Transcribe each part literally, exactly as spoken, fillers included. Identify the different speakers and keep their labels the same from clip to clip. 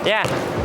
Speaker 1: เนี่ย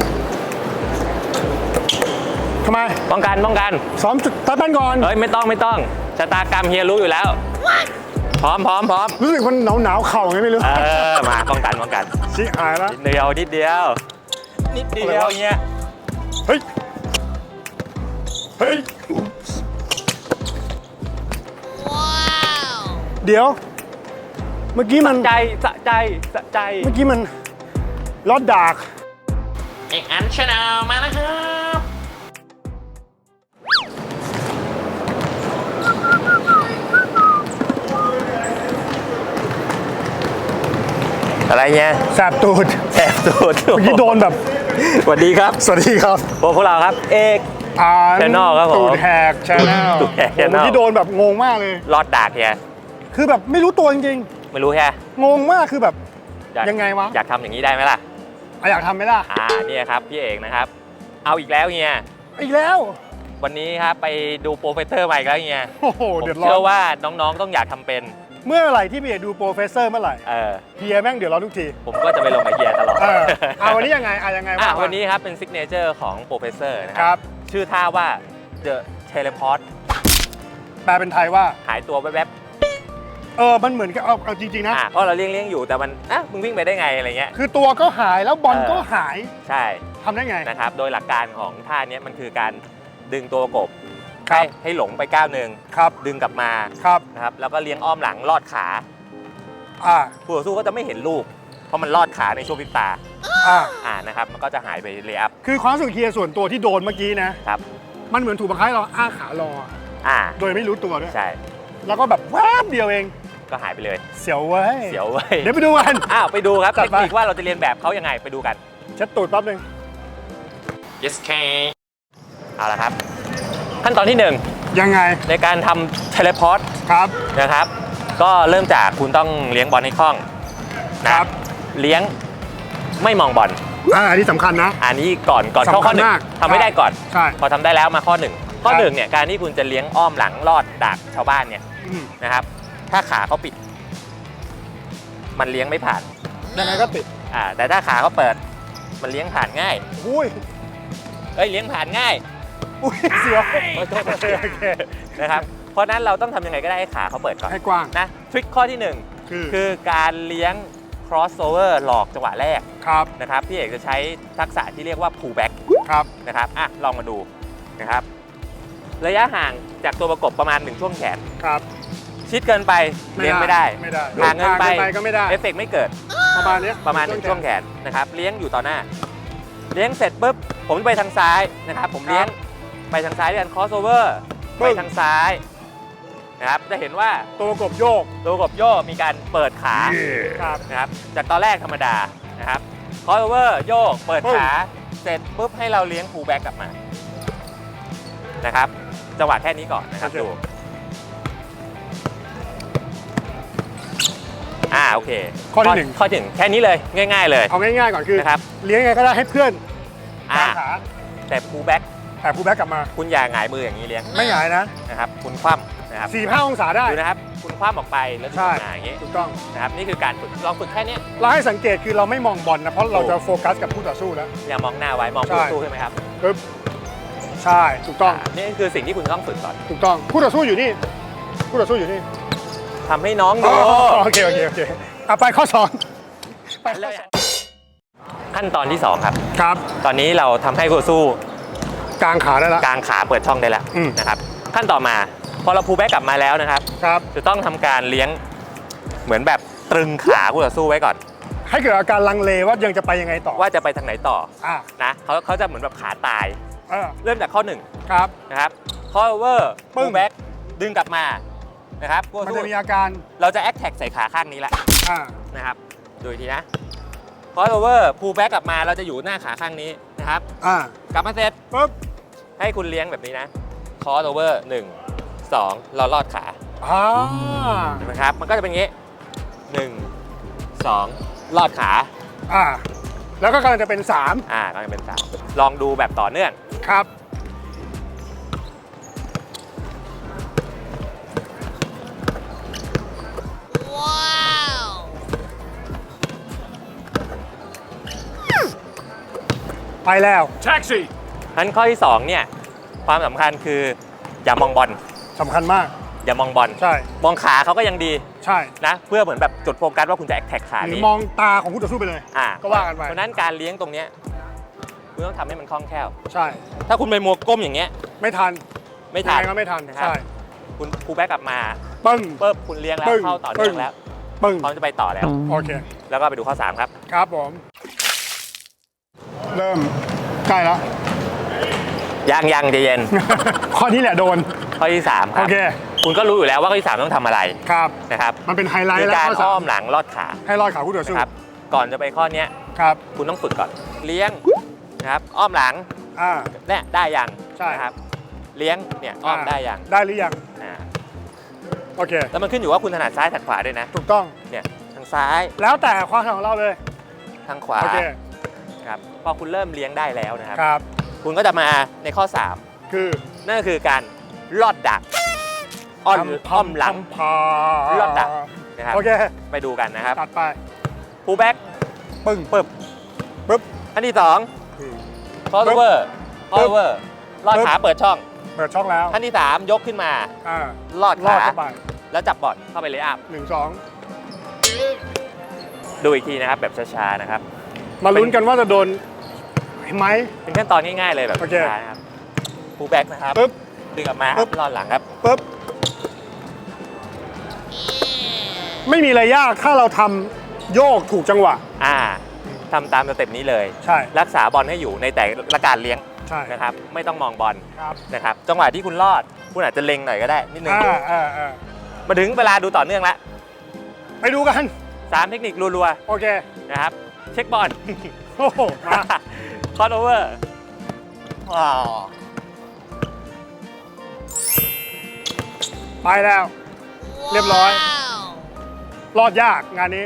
Speaker 2: ทำไม
Speaker 1: ป้องกันป้องกัน
Speaker 2: ซ้อมจุดตัดบ้านก่อน
Speaker 1: เฮ้ยไม่ต้องไม่ต้องชะตากรรมเฮียรู้อยู่แล้วพร้อมพร้อมพร้อม
Speaker 2: รู้สึกมันหนาวหนาวเข่าไงไม่รู้
Speaker 1: เออมาป้องกันป้องกัน
Speaker 2: ชิหายแล้ว
Speaker 1: นิดเดียวนิดเดียวนิดเดียวเงี้ย
Speaker 2: เฮ้ยเฮ้ยเดี๋ยวเมื่อกี้มัน
Speaker 1: ใจสะใจสะใจ
Speaker 2: เมื่อกี้มันลอดดาก
Speaker 1: เอกอันชาแนลมาแล้วครับอะไรเงี้ย
Speaker 2: แสบตูด
Speaker 1: แสบตูด
Speaker 2: เมื่อกี้โดนแบบ
Speaker 1: สวัสดีครับ
Speaker 2: สวัสดีครับ
Speaker 1: พวกเราครับเอก
Speaker 2: อ่าน
Speaker 1: ชาแนลครับผม
Speaker 2: ตูดแหกชาแนล
Speaker 1: ตูดแหกชาแนล
Speaker 2: เมื่อกี้โดนแบบงงมากเลย
Speaker 1: รอดดากเฮีย
Speaker 2: คือแบบไม่รู้ตัวจริง
Speaker 1: ๆไม่รู้แค่
Speaker 2: งงมากคือแบบยังไงวะ
Speaker 1: อยากทำอย่างนี้ได้ไหมล่ะ
Speaker 2: อยากทำไหมล่ะ
Speaker 1: อ่าเนี่ยครับพี่เอกนะครับเอาอีกแล้วเฮีย
Speaker 2: อีกแล้ว
Speaker 1: วันนี้ครับไปดูโปรเฟสเซอร์ใหม่แล้วเฮีย
Speaker 2: โอ้โห
Speaker 1: เดือดร้อนเชื่อว่าน้องๆต้องอยากทำเป็น
Speaker 2: เมื่อไหร่ที่พี่เอกดูโปรเฟสเซอร์เมื่อไหร่
Speaker 1: เออ
Speaker 2: เฮียแม่งเดือดร้อนทุกที
Speaker 1: ผมก็จะไปลงกับเฮียตลอด
Speaker 2: เออเอาวันนี้ยังไงอ่ะยังไง
Speaker 1: อ่ะวันนี้ครับเป็นซิกเนเจอร์ของโปรเฟสเซอร์นะค
Speaker 2: รับ
Speaker 1: ชื่อท่าว่า The Teleport
Speaker 2: แปลเป็นไทยว่า
Speaker 1: หายตัวแวบ
Speaker 2: ๆเออมันเหมือนกับเอาเอาจริงๆนะ
Speaker 1: เพราะเราเลี้ยงเลี้ยงอยู่แต่มันอ่ะมึงวิ่งไปได้ไงอะไรเงี้ย
Speaker 2: คือตัวก็หายแล้วบอลก็หาย
Speaker 1: ใช่
Speaker 2: ทำได้ไง
Speaker 1: นะครับโดยหลักการของท่านี้มันคือการดึงตัวกบให้ให้หลงไปก้าวหนึ่งดึงกลับมานะครับแล้วก็เลี้ยงอ้อมหลังลอดขาผู้ต่อสู้ก็จะไม่เห็นลูกเพราะมันลอดขาในช่วงพริบตาอ่านะครับมันก็จะหายไปเลย์อัพ
Speaker 2: คือความรู้สึกเฮียส่วนตัวที่โดนเมื่อกี้นะครับมันเหมือนถูกบังคับให้เราอ้าขารออ่าโดยไม่รู้ตัวด้วย
Speaker 1: ใช่
Speaker 2: แล้วก็แบบแวบเดียวเอง
Speaker 1: ก็หายไปเลย
Speaker 2: เสียวเว้ย
Speaker 1: เสียวเว้ย
Speaker 2: เดี๋ยวไปดูกัน
Speaker 1: อ้าวไปดูครับเทคนิคว่าเราจะเรียนแบบเขายังไงไปดูกัน
Speaker 2: เช็ดตูดแป๊บนึง
Speaker 1: yes k เอาละครับขั้นตอนที่หนึ่ง
Speaker 2: ยังไง
Speaker 1: ในการทำเทเลพอร์ต
Speaker 2: ครับ
Speaker 1: นะครับก็เริ่มจากคุณต้องเลี้ยงบอลให้คล่องนะครับเลี้ยงไม่มองบอล
Speaker 2: อ่าอันนี้สำคัญนะ
Speaker 1: อันนี้ก่อนก่อนเข้าข้อหนึ่งทำไม่ได้ก่อน
Speaker 2: ใช่
Speaker 1: พอทำได้แล้วมาข้อหนึ่งข้อหนึ่งเนี่ยการที่คุณจะเลี้ยงอ้อมหลังลอดดักชาวบ้านเนี่ยนะครับถ้าขาเขาปิดมันเลี้ยงไม่ผ่าน
Speaker 2: ยังไงก็ปิด
Speaker 1: อ่าแต่ถ้าขาเขาเปิดมันเลี้ยงผ่านง่าย
Speaker 2: อุ้ย
Speaker 1: เอ้ยเลี้ยงผ่านง่าย
Speaker 2: อุ้ยเสียว
Speaker 1: นะครับเพราะนั้นเราต้องทำยังไงก็ได้ให้ขาเขาเปิดก่อน
Speaker 2: ให้กว้าง
Speaker 1: นะทริคข้อที่หนึ่งคือคือการเลี้ยง crossover หลอกจังหวะแรก
Speaker 2: ครับ
Speaker 1: นะครับพี่เอกจะใช้ทักษะที่เรียกว่า pull back
Speaker 2: ครับ
Speaker 1: นะครับอ่ะลองมาดูนะครับระยะห่างจากตัวประกบประมาณหนึ่งช่วงแขน
Speaker 2: ครับ
Speaker 1: ชิดเกินไปเลี้ยงไม่ได้
Speaker 2: ไม่ได้
Speaker 1: ห่างเกินไป
Speaker 2: ก็ไม่ได้
Speaker 1: เอฟเฟกต์ไม่เกิด
Speaker 2: ประมาณนี้
Speaker 1: ประมาณหนึ่งช่วงแขนนะครับเลี้ยงอยู่ต่อหน้าเลี้ยงเสร็จปุ๊บผมไปทางซ้ายนะครับผมเลี้ยงไปทางซ้ายด้วยกัน crossover ไปทางซ้ายนะครับจะเห็นว่า
Speaker 2: ตัวกบโยก
Speaker 1: ตัวกบโยกมีการเปิดขานะครับจากตอนแรกธรรมดานะครับ crossover โยกเปิดขาเสร็จปุ๊บให้เราเลี้ยง pull back กลับมานะครับจังหวะแค่นี้ก่อนนะครับดูอ่าโอเค
Speaker 2: ข้อที่หนึ่ง
Speaker 1: ข้อที่หนึ่งแค่นี้เลยง่ายๆเลย
Speaker 2: เอาง่ายๆก่อนคือ
Speaker 1: นะครับ
Speaker 2: เลี้ยงไงก็ได้ให้เพื่อน
Speaker 1: อ่าแต่ pull back
Speaker 2: แต่ pull back กลับมา
Speaker 1: คุณอย่าหงายมืออย่างนี้เลี้ยง
Speaker 2: ไม่หงายนะ
Speaker 1: นะครับคุณคว่ำนะครับ
Speaker 2: สี่ห้าองศาได้
Speaker 1: ดูนะครับคุณคว่ำออกไปแล้วดึงมาอย่างนี้
Speaker 2: ถูกต้อง
Speaker 1: นะครับนี่คือการฝึกลองฝึกแค่นี้
Speaker 2: เราให้สังเกตคือเราไม่มองบอลนะเพราะเราจะโฟกัสกับผู้ต่อสู้แล้ว
Speaker 1: อย่ามองหน้าไว้มองผู้ต่อสู้ใช่ไหมครับ
Speaker 2: ปึ๊บใช่ถูกต้อง
Speaker 1: นี่คือสิ่งที่คุณต้องฝึกก่อน
Speaker 2: ถูกต้องผู้ต่อสู้อยู่นี่ผู้ต่อสู้อยู่นี่
Speaker 1: ทำให้น้องดู
Speaker 2: โอเคโอเคโอเคเอาไปข้อสอง
Speaker 1: ไปเลยขั้นตอนที่สองครับ
Speaker 2: ครับ
Speaker 1: ตอนนี้เราทำให้คู่สู้
Speaker 2: กางขาได้แล้ว
Speaker 1: กางขาเปิดช่องได้แล้วนะครับขั้นต่อมาพอเราพูลแบ็กกลับมาแล้วนะครับ
Speaker 2: ครับ
Speaker 1: จะต้องทำการเลี้ยงเหมือนแบบตรึงขาคู่ต่อสู้ไว้ก่อน
Speaker 2: ให้เกิดอาการลังเลว่ายังจะไปยังไงต่อ
Speaker 1: ว่าจะไปทางไหนต่อ
Speaker 2: อ่า
Speaker 1: นะเขาเขาจะเหมือนแบบขาตายเริ่มจากข้อหนึ่ง
Speaker 2: ครับ
Speaker 1: นะครับข้อเวอร์พูลแบ็กดึงกลับมานะครับ
Speaker 2: มันจะมีอาการ
Speaker 1: เราจะแอคแท็กใส่ขาข้างนี้แหละนะครับดูอีกทีนะคอสโอเวอร์พูลแบ็กกลับมาเราจะอยู่หน้าขาข้างนี้นะครับกลับมาเสร็จ
Speaker 2: ปุ๊บ
Speaker 1: ให้คุณเลี้ยงแบบนี้นะคอสโอเวอร์หนึ่งสองเราลอดขาเห็นไหมครับมันก็จะเป็นอย่างนี้หนึ่งสองลอดขา
Speaker 2: อ่าแล้วก็กำลังจะเป็นสาม
Speaker 1: อ่ากำลังจะเป็นสามลองดูแบบต่อเนื่อง
Speaker 2: ครับไปแล้ว
Speaker 3: แท็กซี่
Speaker 1: งั้นข้อที่สองเนี่ยความสำคัญคืออย่ามองบอล
Speaker 2: สำคัญมาก
Speaker 1: อย่ามองบอล
Speaker 2: ใช่
Speaker 1: มองขาเขาก็ยังดี
Speaker 2: ใช่
Speaker 1: นะเพื่อเหมือนแบบจุดโฟกัสว่าคุณจะแอคแท็กขา
Speaker 2: หรือ
Speaker 1: นี้
Speaker 2: มองตาของคู่ต่อสู้ไปเลย
Speaker 1: อ่า
Speaker 2: ก็ว่ากันไป
Speaker 1: เพราะนั้นการเลี้ยงตรงเนี้ยคุณต้องทำให้มันคล่องแคล่ว
Speaker 2: ใช่
Speaker 1: ถ้าคุณไปมัวก้มอย่างเงี้ย
Speaker 2: ไม่ทัน
Speaker 1: ไม่ทัน
Speaker 2: ยังไงก็ไม่ทัน
Speaker 1: นะครับ
Speaker 2: ใช่
Speaker 1: คุณครูแบ็กกลับมา
Speaker 2: ปึ้ง
Speaker 1: ปุ๊บคุณเลี้ยงแล้ว
Speaker 2: ปึ้ง
Speaker 1: เข้าต่อเนื่อง
Speaker 2: ปึ้ง
Speaker 1: แล้ว
Speaker 2: ปึ้ง
Speaker 1: พร้อมจะไปต่อแล้ว
Speaker 2: โอเค
Speaker 1: แล้วก็ไปดูข้อสามครับ
Speaker 2: ครับผม เริ่มใกล้แล้ว
Speaker 1: ยังยังใจเย็น
Speaker 2: ข้อนี้แหละโดน
Speaker 1: ข้อที่สามค
Speaker 2: โอ
Speaker 1: รับ
Speaker 2: เค
Speaker 1: คุณก็รู้อยู่แล้วว่าข้อที่สามต้องทำอะไร
Speaker 2: ครับ
Speaker 1: นะครับ
Speaker 2: มันเป็นไฮไล
Speaker 1: คื
Speaker 2: ท์
Speaker 1: อ
Speaker 2: แล้ว
Speaker 1: การ
Speaker 2: ข้อสา
Speaker 1: อ้อ
Speaker 2: ม
Speaker 1: มหลังลอดขา
Speaker 2: ให้รอดขาคู่ต่อสู้
Speaker 1: นะครับก่อนจะไปข้อเนี้ย
Speaker 2: ครับ
Speaker 1: คุณต้องฝึกก่อน เลี้ยงนะครับอ้อมหลัง
Speaker 2: อ่า
Speaker 1: เนี่ยได้ยัง
Speaker 2: ใช่
Speaker 1: นะครับเลี้ยงเนี่ยอ้อมได้ยัง
Speaker 2: ได้หรือยัง
Speaker 1: อ่า
Speaker 2: โอเค
Speaker 1: แล้วมันขึ้นอยู่ว่าคุณถนัดซ้ายถนัดขวาด้วยนะ
Speaker 2: ถูกต้อง
Speaker 1: เนี่ยทางซ้าย
Speaker 2: แล้วแต่ความถนัดของเราเลย
Speaker 1: ทางขวา
Speaker 2: โอเค
Speaker 1: ครับพอคุณเริ่มเลี้ยงได้แล้วนะครับ
Speaker 2: ครับ
Speaker 1: คุณก็จะมาในข้อสาม
Speaker 2: คือ
Speaker 1: นั่นก็คือการลอดดักอ้อมอ้อมหลัง
Speaker 2: พา
Speaker 1: ลอดดัก นะครับ
Speaker 2: โอเค
Speaker 1: ไปดูกันนะครับ
Speaker 2: ตัดไป
Speaker 1: ฟูลแบ็ก
Speaker 2: ปึ้ง
Speaker 1: ปึ๊บ
Speaker 2: ปึ๊บ
Speaker 1: อันที่สอง
Speaker 2: อืม
Speaker 1: คอสเวอร์คอสเวอร์ลอด
Speaker 2: ปึ๊บ
Speaker 1: ขาเปิดช่อง
Speaker 2: เปิดช่องแล้ว
Speaker 1: อันที่สามยกขึ้นมา
Speaker 2: อ่า
Speaker 1: ลอด
Speaker 2: ลอ
Speaker 1: ขา
Speaker 2: ดเข้าไป
Speaker 1: แล้วจับบอลเข้าไปเลยอัพ
Speaker 2: หนึ่งสอง
Speaker 1: ดูอีกทีนะครับแบบช้าๆนะครับ
Speaker 2: มาลุ้นกันว่าจะโดนไหม
Speaker 1: เป็นขั้นตอนง่ายๆเลยแบบ
Speaker 2: โอเค
Speaker 1: ช้าๆนะครับฟูลแบ็กนะครับ
Speaker 2: ปึ๊บ
Speaker 1: ดึงออกมา
Speaker 2: ปึ๊บ
Speaker 1: ลอดหลังครับ
Speaker 2: ปึ๊บ ไม่มีอะไรยากถ้าเราทำโยกถูกจังหวะ
Speaker 1: อ่าทำตามสเต็ปนี้เลย
Speaker 2: ใช่
Speaker 1: รักษาบอลให้อยู่ในแต่ละการเลี้ยง
Speaker 2: ใช่
Speaker 1: นะครับ ไม่ต้องมองบอล
Speaker 2: ครับ
Speaker 1: นะครับ จังหวะที่คุณลอด คุณอาจจะเล็งหน่อยก็ได้นิดนึง
Speaker 2: อ่าอ่าอ่า
Speaker 1: มาถึงเวลาดูต่อเนื่องแล้ว
Speaker 2: ไปดูกัน
Speaker 1: สามเทคนิครัว
Speaker 2: โอเค
Speaker 1: ๆนะครับ เช็คบอล
Speaker 2: โอ้โหมา
Speaker 1: คอร์โอเวอร์ว้าว
Speaker 2: ไปแล้ว เรียบร้อย รอดยากงานนี้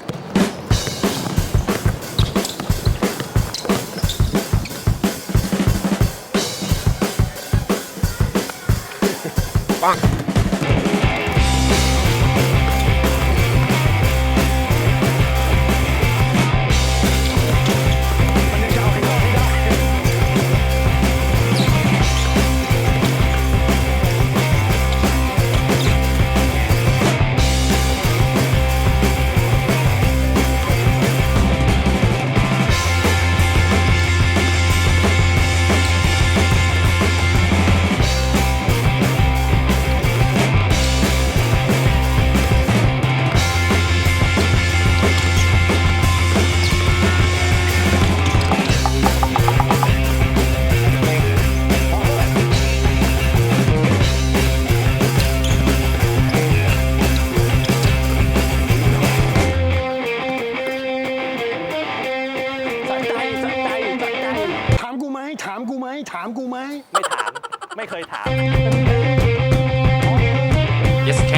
Speaker 2: ปัง มันยังจะเอาให้รอดให้ได้ สะใจสะใจสะใจถามกูไหมถามกูไหมถามกูไหม
Speaker 1: ไม่ถาม ไม่เคยถาม yes K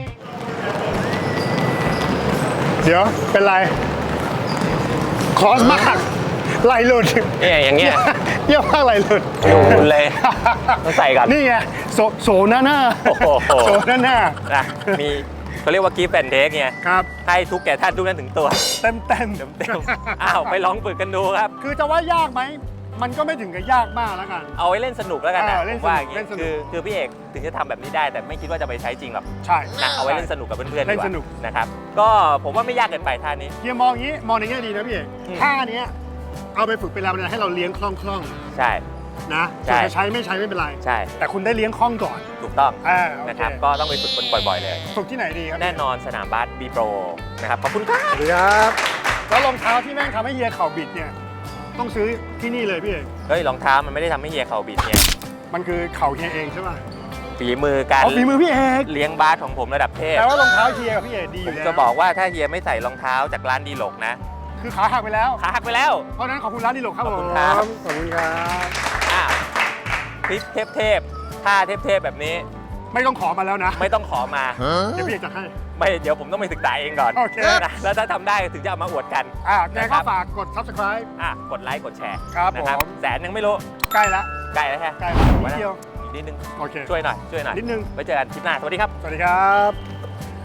Speaker 2: เดี๋ยว เป็นไร คอสมากไหลหลุด
Speaker 1: เนี่ยอย่างเงี้ย
Speaker 2: เยี่ยมมากไหลหลุด
Speaker 1: ดูเลยต้องใส่ก่อน
Speaker 2: นี่ไงโซโซหน้าหน้า
Speaker 1: โอ้โห
Speaker 2: โซหน้าหน้า
Speaker 1: นะมีเขาเรียกว่ากีฟแอนเทคไง
Speaker 2: ครับ
Speaker 1: ให้ทุกแก่ท่านทุกนั้นถึงตัว
Speaker 2: เต็มเต็ม
Speaker 1: เต็มๆอ้าวไปลองฝึกกันดูครับ
Speaker 2: คือจะว่ายากไหม มันก็ไม่ถึงกับยากมากแล้วกัน
Speaker 1: เอาไว้เล่นสนุกแล้วกันนะ
Speaker 2: เออเล่
Speaker 1: ผ
Speaker 2: น
Speaker 1: ม
Speaker 2: สนุก
Speaker 1: ว่าอย่าง
Speaker 2: เล่
Speaker 1: งี้
Speaker 2: นสนุก
Speaker 1: คือคือพี่เอกถึงจะทำแบบนี้ได้ แต่ไม่คิดว่าจะไปใช้จริงหรอก
Speaker 2: ใช่
Speaker 1: นะเอาไว้เล่นสนุกกับเพื่อนๆ
Speaker 2: เล่
Speaker 1: ดี
Speaker 2: น
Speaker 1: กว่า
Speaker 2: สนุก
Speaker 1: นะครับ ก็ผมว่าไม่ยากเกินไปท่านี้
Speaker 2: เฮียมองอย่างนี้ มองในแง่ดีนะพี่เอก
Speaker 1: อืม
Speaker 2: ท่าเนี้ยเอาไปฝึกเป็นแรงบันดาลใจให้เราเลี้ยงคล่องคล่อง
Speaker 1: ใช่
Speaker 2: ๆนะ
Speaker 1: ใช่
Speaker 2: ส่วนจะใช้ไม่ใช้ไม่เป็นไร
Speaker 1: ใช่
Speaker 2: แต่คุณได้เลี้ยงคล่องก่อน
Speaker 1: ถูกต้อง
Speaker 2: อ่าโอ
Speaker 1: นะ
Speaker 2: เค
Speaker 1: ครับ ก็ต้องไปฝึกกันบ่อยๆเลย
Speaker 2: ฝึกที่ไหนดีครับ
Speaker 1: แน่นอนสนามบาสบีโปรนะครับ ขอบคุณครับ
Speaker 2: สวัสดีครับแล้วรองเท้าที่แม่งทำให้เฮียเข่าบิดเนี่ยต้องซื้อที่นี่เลยพี่เอก
Speaker 1: เฮ้ยรองเท้ามันไม่ได้ทำให้เฮียเข่าบิดเนี่ย
Speaker 2: มันคือเข่าเฮียเองใช่ป่ะ
Speaker 1: ฝีมือการ
Speaker 2: อ๋อฝีมือพี่เอก
Speaker 1: เลี้ยงบาสของผมระดับเทพ
Speaker 2: แต่ว่ารองเท้าเฮียกับพี่เอกดีอ
Speaker 1: ผม
Speaker 2: ยู่แล้ว
Speaker 1: จะบอกว่าถ้าเฮียไม่ใส่รองเท้าจากร้านดีหลกนะ
Speaker 2: คือขาหักไปแล้ว
Speaker 1: ขาหักไปแล้ว
Speaker 2: เพราะฉะนั้นขอบคุณร้านดีหลกครับ
Speaker 1: ข
Speaker 2: ผ
Speaker 1: อบ
Speaker 2: ม
Speaker 1: คุณครับ
Speaker 2: ขอบคุณครับ
Speaker 1: อ้าวคลิปเทพๆท่าเทพๆแบบนี้
Speaker 2: ไม่ต้องขอมาแล้วนะ
Speaker 1: ไม่ต้องขอมา
Speaker 2: เดี๋ยวพี่เอกจัดให้
Speaker 1: ไม่เดี๋ยวผมต้องไปศึกษาเองก่อน
Speaker 2: โอเค
Speaker 1: นะแล้วถ้าทำได้ถึงจะเอามาอวดกัน
Speaker 2: อ่ะแก
Speaker 1: นะครั
Speaker 2: ก็
Speaker 1: บ
Speaker 2: ฝากกด subscribe
Speaker 1: อ่ะกดไลค์กดแชร์
Speaker 2: ครับ
Speaker 1: นะ
Speaker 2: ผม
Speaker 1: แสนยังไม่รู้
Speaker 2: ใกล้ละ
Speaker 1: ใกล้แล้วแค่
Speaker 2: ใกล้ละนิดเดียว
Speaker 1: อีกนิดนึง
Speaker 2: โอเค
Speaker 1: ช่วยหน่อยช่วยหน่อย
Speaker 2: นิดนึง
Speaker 1: ไว้เจอกันคลิปหน้าสวัสดีครับ
Speaker 2: สวัสดีครับ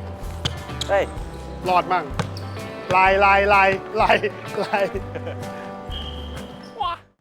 Speaker 1: เฮ้ย
Speaker 2: รอดมั่งลายลายลายลายลาย